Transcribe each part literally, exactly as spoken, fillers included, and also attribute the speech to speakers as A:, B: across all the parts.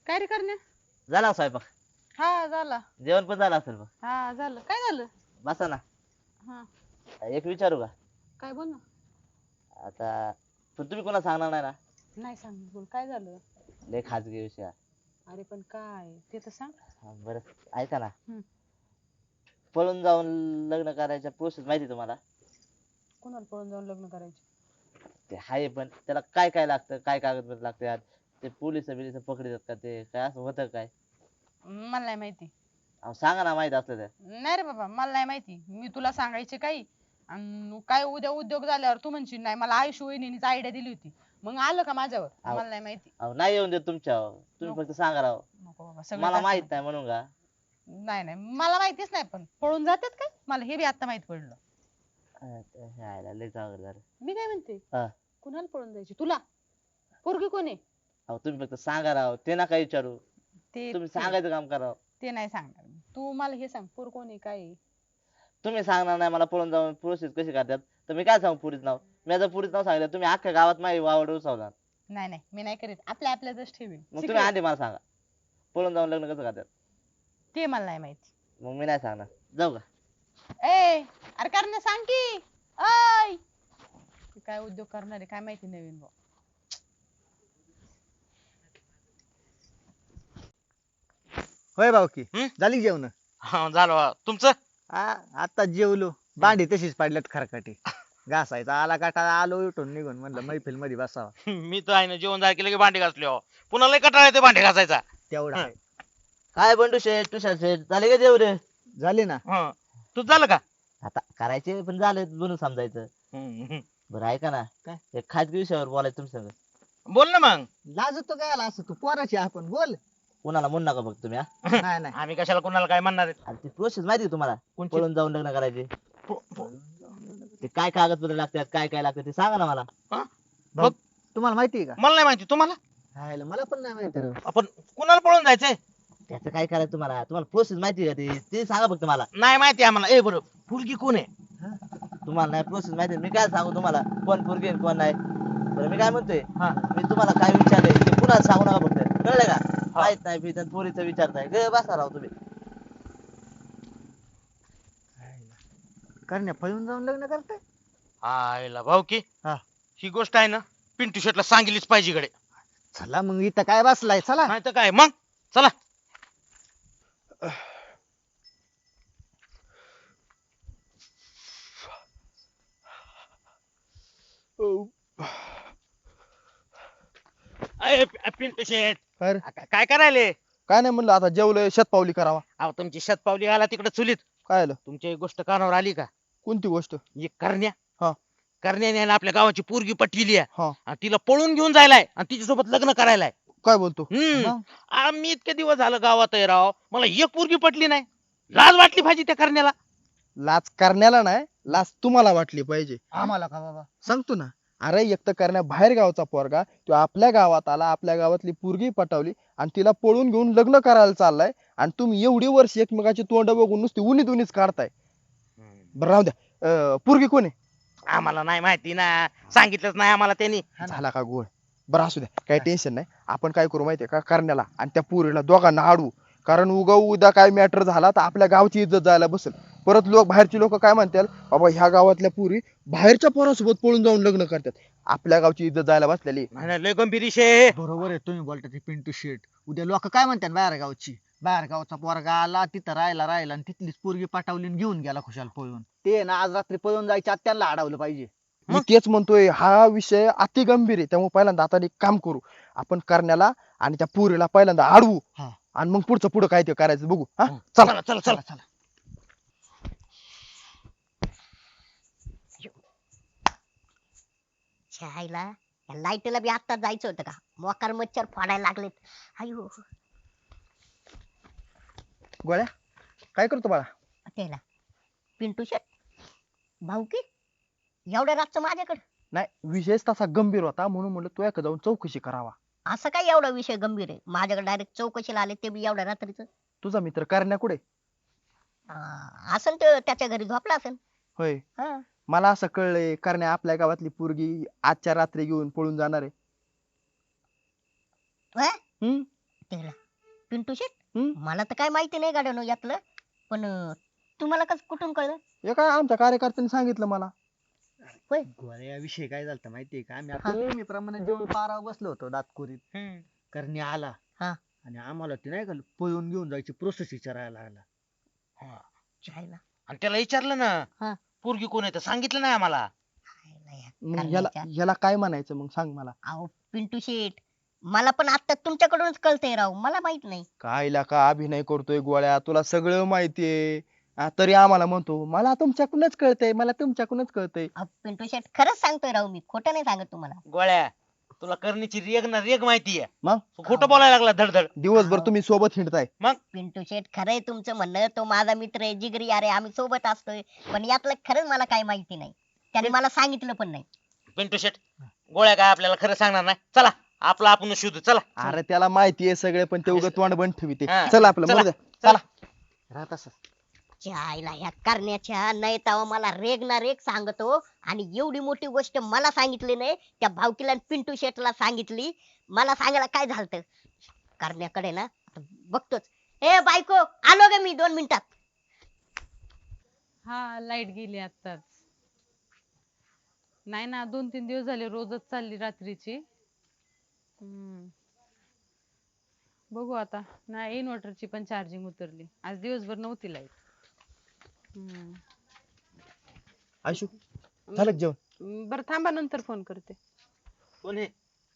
A: काय रे करण्या?
B: झाला स्वयंपाक?
A: हा झाला.
B: जेवण पण झालं असेल मग.
A: हा झालं. काय झालं?
B: बसा ना.
A: हा
B: एक विचारू का?
A: काय बोल ना.
B: आता पण तुम्ही कोणा सांगणार नाही ना?
A: नाही सांग बोल काय झालं?
B: लय खाजगी विषय आहे.
A: अरे पण काय ते तर सांग.
B: हा, बरं ऐका ना.
A: हम्म.
B: पळून जाऊन लग्न करायच्या प्रोसेस माहिती आहे तुम्हाला?
A: कोणाला पळून जाऊन लग्न करायचे?
B: ते आहे पण त्याला काय काय लागतं, काय कागदपत्र लागतात, ते पोलिस बिलिस पकडतात का, ते काय असं होतं काय?
A: मला नाही माहिती.
B: अहो सांगा ना माहित असलं तर.
A: नाही रे बाबा मला नाही माहिती. मी तुला सांगायचे काही आणि काय उद्या उद्योग झाल्यावर तू म्हणशील नाही मला आयुष्य वहिनीच आयडिया दिली होती. मग आलं का माझ्यावर?
B: अहो,
A: मला नाही माहिती.
B: अहो नाही येऊन देत तुमच्यावर, तुम्ही
A: नको
B: फक्त सांगा राव.
A: नको बाबा सगळं
B: मला
A: जास्त
B: माहित
A: माहिती.
B: नाही म्हणून का?
A: नाही नाही मला माहितीच नाही पण पळून जातात काय? मला हे बी आता माहित पडलं.
B: अच्छा, हे आयला लय चांगलं झालं.
A: मी काय म्हणते
B: हा.
A: कुणाला पळून जायची तुला? पोरगी कोण आहे?
B: अहो तुम्ही फक्त सांगा राव, ते नका विचारू.
A: ते
B: तुम्ही
A: ते
B: सांगायचं काम करा.
A: ते नाही सांगणार मी. तू मला हे सांग पोर कोण आहे काय आहे?
B: तुम्ही सांगणार नाही मला पळून जाऊन प्रोसेस कशी करतात, तर मी काय सांगू पुरीच नाव? मी जर पुरीच नाव सांगितलं तुम्ही अख्ख्या गावात माझी वावड उचवणार.
A: नाही नाही मी नाही करीत आपल्या आपल्यातच ठेवीन.
B: मग तुम्ही
A: Secret.
B: आधी मला सांगा पळून जाऊन लग्न कसं करतात.
A: ते मला नाही माहिती.
B: मग मी नाही सांगणार. जाऊ का?
A: ए अरे करण्या सांग की. ऐ तू काय उद्योग करणार आहे काय माहिती नवीन भाऊ.
C: होय भाऊकी
D: हं?
C: झाली जेवण?
D: हा झालं बा. तुमचं
C: आता जेवलो. भांडी तशीच पडल्यात खरकाटी. घासायचा आला काटा आलो उठून निघून म्हणलं मैफिल मध्ये बसावा.
D: मी तर आहे ना जेवण झालं की लगे भांडे घासले हो. पुन्हा लय कंटाळा येते भांडे घासायचा.
C: तेवढा
D: हं.
C: आहे.
B: काय बंडू शेठ तुषार शेठ झाले का जेवढे?
C: झाली ना.
D: हं. तुझं झालं का?
B: आता करायचे पण झाले म्हणून समजायचं.
D: हं, हं.
B: बरं ऐका ना.
C: काय?
B: एक खाजगी विषयावर बोलायचं तुमच्या संग.
D: बोल ना मग.
C: लाजतो काय आला असं तू पोराची आपण बोल.
B: कोणाला म्हणू नका बघ तुम्ही हा.
C: नाही नाही
D: आम्ही कशाला कोणाला काय म्हणणार आहेत?
B: आणि ती प्रोसेस माहिती आहे तुम्हाला?
D: कोणची?
B: पळून जाऊन लग्न करायचे
D: पो- पो-
B: ते काय कागदपत्र लागतात, काय काय लागतं ते सांगा ना मला.
D: हं?
C: भाऊ, तुम्हाला माहिती आहे का?
D: मला नाही माहिती तुम्हाला.
C: हायला, मला पण नाही माहिती राव.
D: आपण कुणाला पळून जायचंय?
B: त्याचं काय करायचं तुम्हाला? तुम्हाला प्रोसेस माहिती आहे का? ते ते सांगा फक्त मला.
D: नाही माहिती आम्हाला. ए बरं फुलकी कोण आहे?
B: तुम्हाला नाही प्रोसेस माहिती आहे, मी काय सांगू तुम्हाला कोण पोरगी आहे, कोण नाही. बरं मी काय म्हणतोय,
D: हा.
B: मी तुम्हाला काय विचारलंय ते पुन्हा सांगू नका फक्त, कळलं का? माहित नाही मी पोरीचं विचारताय ग बसा राव तुम्ही.
C: करण्या पळून जाऊन लग्न करताय?
D: आयला भाऊ की
C: हा.
D: ही गोष्ट आहे ना पिंटू शेटला सांगितलीच पाहिजे गडे.
C: चला मग इथं काय बसलाय चला.
D: नाही तर काय मग चला. अय, पि- पिंटू शेट
E: अरे
D: का- काय करायले?
E: काय नाही म्हणलं आता जेवलंय शतपावली करावा.
D: अहो तुमची शतपावली आला तिकडे चुलीत.
E: काय आलं?
D: तुमची एक गोष्ट कानावर आली का?
E: कोणती गोष्ट?
D: एक करण्या
E: हा.
D: करण्याने आहे ना आपल्या गावाची पोरगी पटविली आहे
E: हा.
D: आणि तिला पळून घेऊन जायलाय आणि तिच्यासोबत लग्न करायलाय.
E: काय बोलतो?
D: हम्म
E: मग?
D: आम्ही इतके दिवस झालं गावात आहे राव, मला एक पोरगी पटली नाही. लाज वाटली पाहिजे त्या करण्याला.
E: लाच करण्याला नाही, लाच तुम्हाला वाटली पाहिजे.
C: आम्हाला का बाबा?
E: सांगतो ना. अरे एक तर करण्या बाहेर गावचा पोरगा तो आपल्या गावात आला, आपल्या गावातली पोरगी पटवली आणि तिला पळून घेऊन लग्न करायला चाललाय आणि तुम्ही एवढी वर्ष एकमेकाची तोंड बघून नुसती उन्हीत उन्हीच काढताय. बरं राहू द्या. अं, पोरगी कोण आहे?
D: आम्हाला नाही माहिती ना, सांगितलंच नाही आम्हाला त्यांनी.
E: झाला का गोळ? बरं असू द्या, काही टेन्शन नाही. आपण काय करू माहितीये का, करण्याला आणि त्या पोरीला दोघांना अडवू. कारण उगा उद्या काय मॅटर झाला तर आपल्या गावची इज्जत जायला बसेल. परत लोक बाहेरची लोक काय म्हणतील, बाबा ह्या गावातल्या पुरी बाहेरच्या पोरासोबत पळून जाऊन लग्न करतात. आपल्या गावची इज्जत जायला बसलेली.
D: नाही, नाही, लय गंभीर विषय आहे.
C: बरोबर आहे तुम्ही बोलता ते पिंटू शेट. उद्या लोक काय म्हणतात बाहेर गावची? बाहेर गावचा पोरगा आला तिथं राहायला राहिला आणि तिथलीच पोरगी पाठवली आणि घेऊन गेला खुशाल पळून. ते ना आज रात्री पळून जायच्या आत त्यांना अडवलं पाहिजे.
E: मी तेच म्हणतोय, हा विषय अति गंभीर आहे. त्यामुळे पहिल्यांदा आता एक काम करू, आपण करण्याला आणि त्या पुरीला पहिल्यांदा अडवू
C: हा.
E: आणि मग पुढचं पुढं काय ते करायचं बघू. हा
D: हं.
E: चला.
D: चला चला चला.
C: चला
F: छायला या लाईटला बी आता जायचं होतं का? मोकार मच्छर फोडायला लागलेत. अयो
E: गोळ्या काय करतो बाळा?
F: त्याला पिंटू शेट भाऊ की एवढ्या रातचं माझ्याकडे
E: नाही, विषयच तसा गंभीर होता म्हणून म्हणलं तू एका जाऊन चौकशी करावा.
F: असं काय एवढा विषय गंभीर आहे? माझ्याकडे डायरेक्ट चौकशीला आले ते बी एवढ्या रात्रीचं.
E: तुझा मित्र करण्या कुठे?
F: अं, असन तो त्याच्या घरी झोपला असेल.
E: होय,
F: हा.
E: मला असं कळलंय करण्या आपल्या गावातली पोरगी आजच्या रात्री घेऊन पळून जाणार आहे.
F: व्हय?
E: हम्म
F: त्याला पिंटू शेट
E: हम्म?
F: मला तर काय माहिती नाही गाड्यानो यातलं पण अं, तुम्हाला कसं कुठून कळलं
E: हे काय आमच्या कार्यकर्त्यांनी सांगितलं मला.
C: गोळ्या विषय काय झालता माहितीये का आम्ही आता नेहमीप्रमाणे जेवण पारावर बसलो होतो दातकुरीत. करणे आला
F: हा.
C: आणि आम्हाला ते नाही का पळून घेऊन जायची प्रोसेस विचारायला लागला.
F: जायला
D: आणि त्याला विचारलं
F: हा.
D: ना पोरगी कोण आहे तर सांगितलं नाही आम्हाला.
F: जायला या
E: मग याला
F: करण्याच्या.
E: याला काय म्हणायचं मग सांग मला.
F: अहो पिंटू शेट मला पण आता तुमच्याकडूनच कळतंय राव मला माहित नाही
E: कायला का अभिनय करतोय गोळ्या, तुला सगळं माहितीये आ, तरी आम्हाला म्हणतो मला तुमच्याकडूनच कळतंय, मला तुमच्याकडूनच कळतंय.
F: अहो, पिंटू शेट खरंच सांगतोय राव मी खोटं नाही सांगत तुम्हाला
D: गोळ्या तुला करणीची रेग ना रेग माहितीये.
E: मग?
D: तू खोटं बोलायला लागला धडधड.
E: दिवसभर
F: हाव.
E: तुम्ही सोबत हिंडताय.
F: पिंटू शेट खरंय तुमचं म्हणणं तो माझा मित्र आहे जिगरी अरे आम्ही सोबत असतोय पण यातलं खरंच मला काय माहिती नाही त्याने मला सांगितलं पण नाही
D: पिंटू शेट गोळ्या काय आपल्याला खरं सांगणार नाही. चला आपला आपण शोधू चला.
E: अरे त्याला माहितीये सगळे पण ते उगत तोंड बंद ठेवते.
D: हा.
E: चल आपलं
D: चला.
E: मरू द्या.
D: चला.
C: राहत असं
F: जायला ह्या करण्याच्या नाही तेव्हा मला रेग ना रेग सांगतो आणि एवढी मोठी गोष्ट मला सांगितली नाही त्या भावकीला आणि पिंटू शेटला सांगितली मला सांगायला काय झालत करण्याकडे ना आता बघतोच ए बायको आलो ग मी दोन मिनिटात
A: हा लाईट गेली आत्ताच. नाही ना दोन तीन दिवस झाले रोजच चालली रात्रीची. हम्म. बघू आता नाही इन्व्हर्टरची पण चार्जिंग उतरली आज दिवसभर नव्हती लाईट. हम्म.
E: आयशू झालं का जेवण?
A: बरं थांबा नंतर फोन करते.
D: कोण आहे?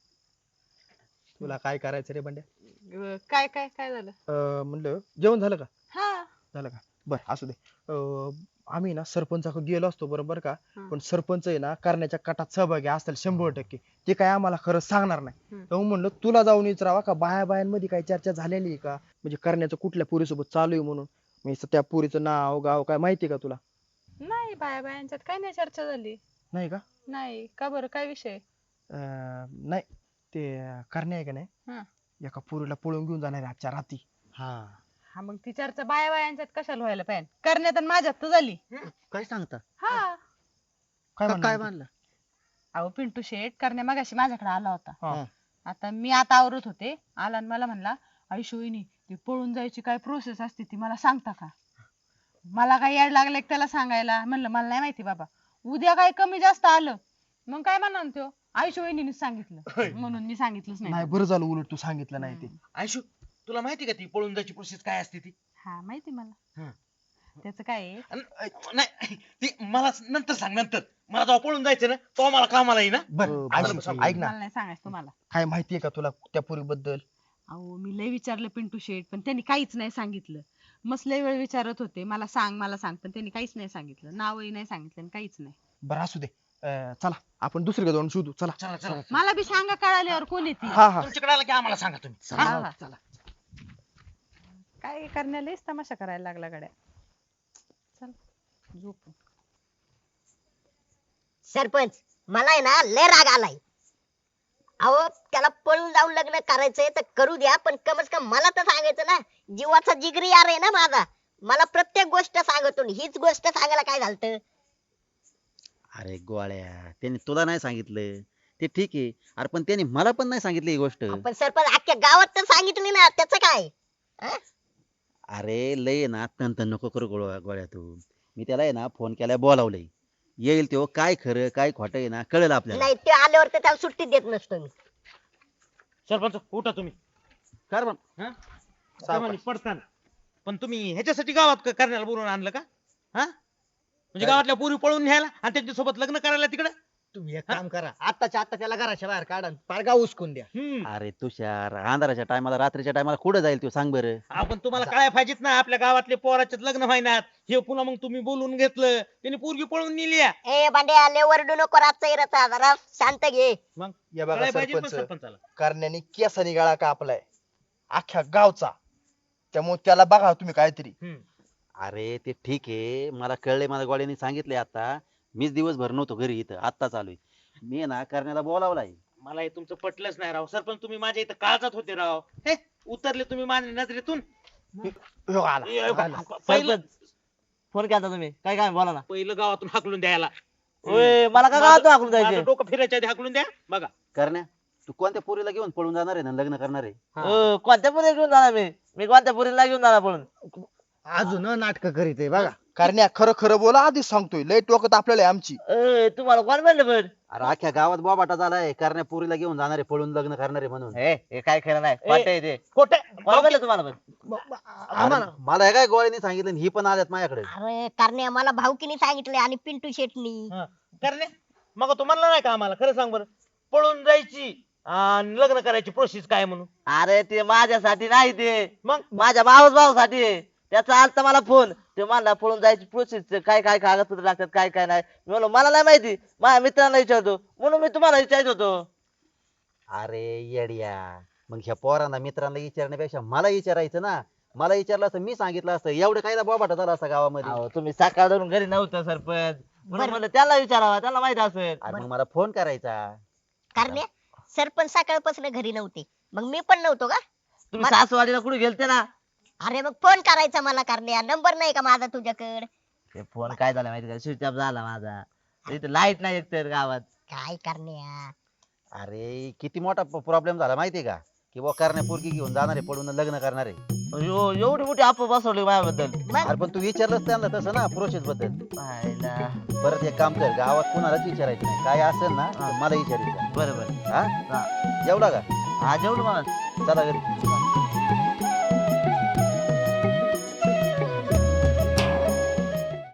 E: तुला काय करायचं रे बंड्या?
A: अं, काय काय काय झालं?
E: अं, म्हणलं जेवण झालं का?
A: हा
E: झालं का? बर असू दे. अं, आम्ही ना सरपंचाकडे गेलो असतो बरोबर का,
A: हा.
E: पण सरपंच आहे ना करण्याच्या कटात सहभागी असतील शंभर टक्के. ते काय आम्हाला खरं सांगणार नाही.
A: हम्म.
E: तर म्हणलं तुला जाऊन विचारावा का बाया बायांमध्ये काही चर्चा झालेली आहे का, म्हणजे करण्याचं कुठल्या पोरीसोबत चालू आहे म्हणून. म्हणजे त्या पोरीचं नाव गाव काय माहिती आहे का तुला?
A: नाही बाया बायांच्यात काय नाही चर्चा झाली.
E: नाही का?
A: नाही का बरं काय विषय?
E: अं, नाही ते करण्या आहे का
A: हा.
E: नाही एका पोरीला पळून घेऊन जाणार आहे आजच्या रात्री.
C: हा
A: हा मग ती चर्चा बाया बायांच्यात कशाला व्हायला पाहिजे करण्यात आणि माझ्यात तर झाली.
C: काय सांगता
A: हा
E: काय
C: का-
E: म्हणणार
C: काय
E: होती?
C: मानलं
A: अहो पिंटू शेट करण्या मगाशी माझ्याकडे आला होता.
E: हा.
A: आता मी आता आवरत होते आला आणि मला म्हणला आयुष्य वहिनी ती पळून जायची काय प्रोसेस असते ती मला सांगता का? मला काय याड लागलं की त्याला सांगायला म्हणलं मला नाही माहिती बाबा उद्या काय कमी जास्त आलं मग काय म्हणा तो आयुष्य वहिनीनेच सांगितलं म्हणून मी सांगितलंच
E: नाही
A: नाही.
E: बरं झालं उलट तू सांगितलं नाही ते.
D: आयशू तुला माहिती का ती पळून जायची प्रोसेस काय असते ती?
A: हा माहिती मला.
D: हा.
A: त्याचं काय आहे?
D: अन- अ, नाही ती मला नंतर सांग नंतर. मला जेव्हा पळून जायचं ना तो मला कामाला येईना.
E: बरं
C: हो,
E: आयशू,
C: बरोबर.
E: ऐक ना
A: मला नाही सांगायचं तुम्हाला.
E: काय माहितीये का तुला त्या पोरीबद्दल?
A: अहो मी लय विचारलं पिंटू शेट पण त्यांनी काहीच नाही सांगितलं. मस्त लय वेळ विचारत होते मला सांग मला सांग पण त्यांनी काहीच नाही सांगितलं नावही नाही सांगितलं आणि काहीच नाही.
E: बरं असू दे. अं, चला आपण दुसरीकडे जाऊन शोधू. चला
D: चला चला
A: मला बी सांगा कळाल्यावर कोण येते.
E: हा हा
D: तुमच्याकडे आला की आम्हाला सांगा तुम्ही.
A: हा,
D: हा?
A: हा. काय करण्यालाच तमाशा करायला लागला गड्या. चल झोप.
F: सरपंच मला आहे ना लय राग आलाय अहो त्याला पळून जाऊन लग्न करायचंय तर करू द्या पण कमच कम मला तर सांगायचं ना जीवाचा जिगरी यार आहे ना माझा मला प्रत्येक गोष्ट सांगतो आणि हीच गोष्ट सांगायला काय झालं
G: अरे गोळ्या त्यांनी तुला नाही सांगितलं ते ठीक आहे. अरे पण त्यांनी मला पण नाही सांगितली ही गोष्ट.
F: पण सरपंच अख्ख्या गावात तर सांगितली ना त्याचं काय हं?
G: अरे लय ना तन नको करू गोळ्या गोळ्या तू. मी त्याला आहे ना फोन केलाय बोलावलंय येईल तो काय खरं काय खोटं आहे ना कळेल आपल्याला.
F: नाही ते आल्यावर तर त्याला सुट्टी देत नसतो मी
D: सरपंच उठा तुम्ही.
G: कर मग.
D: हा? ते म्हणे पडताना. पण तुम्ही ह्याच्यासाठी गावात क- करण्याला बोलवून आणलं का? हा म्हणजे गावातल्या पोरी पळून न्यायला आणि त्यांच्यासोबत लग्न करायला तिकडे.
C: तुम्ही एक काम करा आत्ताच्या आता त्याला घराच्या बाहेर काढा आणि पार गाव उचकून द्या.
G: अरे तुषार अंधाराच्या टायमाला रात्रीच्या टायमाला कुठं जाईल तो सांग बरं.
D: आपण तुम्हाला काय पाहिजेत ना आपल्या गावातले पोराचे लग्न व्हायनात हे पुन्हा मग तुम्ही बोलून घेतलं त्यांनी पोरगी पळून नेली आहे.
F: ए बांड्या आले वरडू नको रातचा इराचा जरा शांत घे
D: मग
E: या बघा
D: काय पाहिजे पण
E: सरपंच
D: सरपंचाला.
E: करण्याने केसानी गाळा कापलाय अख्ख्या गावचा. त्यामुळे त्याला बघा तुम्ही काहीतरी.
D: हम्म.
G: अरे ते ठीक आहे मला कळलंय माझ्या गोळ्याने सांगितलंय आता. मीच दिवसभर नव्हतो घरी इथं आत्ता चालू आहे. मी ना करण्याला बोलावलाय.
D: मला हे तुमचं पटलंच नाही राव सरपंच तुम्ही माझ्या इथं काळजात होते राव. हे उतरले तुम्ही माझ्या नजरेतून.
E: हो, आला.
D: ए, प- पहिलं
B: फोन केला तुम्ही काय काय बोला ना.
D: पहिलं गावातून हाकलून द्यायला.
B: ओय मला का गावातून हाकलून
D: माझं
B: जायचं?
D: डोकं फिरायच्या आधी हाकलून द्या बघा.
G: करण्या तू कोणत्या पोरीला घेऊन पळून जाणार आहे ना लग्न करणार आहे?
B: अं, कोणत्या पुरीला घेऊन जाणार मी मी कोणत्या पुरीला घेऊन जाणार पळून
C: अजून नाटक करीत आहे बघा.
E: करण्या खरं खरं बोला आधीच सांगतोय लय टोकत आपल्याला आहे आमची.
B: अं, तुम्हाला कोण म्हणलं पण
G: अरे अख्ख्या गावात बोबाटा झालाय करण्या पोरीला घेऊन जाणार आहे पळून लग्न करणार आहे म्हणून.
B: हे हे काय खरं नाही खोटं आहे ते
D: खोटे
B: कोण म्हणलं तुम्हाला पण
G: अरे, मला हे काय गोळ्याने सांगितलं आणि ही पण आल्यात माझ्याकडे.
F: अरे करण्या मला भाऊकीने सांगितलंय आणि पिंटू शेटनी.
D: करणे मग तू म्हणला नाही का आम्हाला खरं सांग बरं पळून जायची आणि लग्न करायची प्रोसेस काय म्हणून?
B: अरे ते माझ्यासाठी नाही ते
D: मग
B: माझ्या मावस भाऊसाठी आहे. त्याचा आलता मला फोन ते म्हणला पळून जायची प्रोसेस काय काय कागदपत्र लागतात काय काय नाही मी म्हणलो मला नाही माहिती माझ्या मित्रांना विचारतो म्हणून मी तुम्हाला विचारत होतो.
G: अरे येड्या मग ह्या पोरांना मित्रांना विचारण्यापेक्षा मला विचारायचं ना. मला विचारलं असतं मी सांगितलं असतं एवढं काय बोबाटा झाला असता गावामध्ये.
B: अहो, तुम्ही सकाळ धरून घरी नव्हतं सरपंच म्हणून
F: बरं.
B: म्हणलं त्याला विचारावा त्याला माहित असेल.
G: अरे मग मला फोन करायचा.
F: करण्या सरपंच सकाळपासून घरी नव्हते मग मी पण नव्हतो का?
B: तुम्ही सासवाडीला कुठे गेलते ना
F: अरे मग फोन करायचा मला करण्या नंबर नाही का माझा तुझ्याकडे?
B: ते फोन काय झाला माहिती का स्विच ऑफ झाला माझा इथे लाईट नाही एकतर गावात.
F: काय करण्या
G: अरे किती मोठा प्रॉब्लेम झाला माहितीये का की बुवा करण्या पोरगी घेऊन जाणार आहे पळून लग्न करणार आहे.
B: अयो, एवढी मोठी आप बसवली माझ्याबद्दल.
F: मग
G: अरे पण तू विचारलंच त्यांना तसं ना प्रोसेस बद्दल.
B: पाहायला.
G: परत एक काम कर गावात कुणालाच विचारायचं नाही काय असेल ना तर मला विचारायचं.
B: बरं बरं
G: हा जेवला का?
B: हा जेवढं मला
G: चला घरी.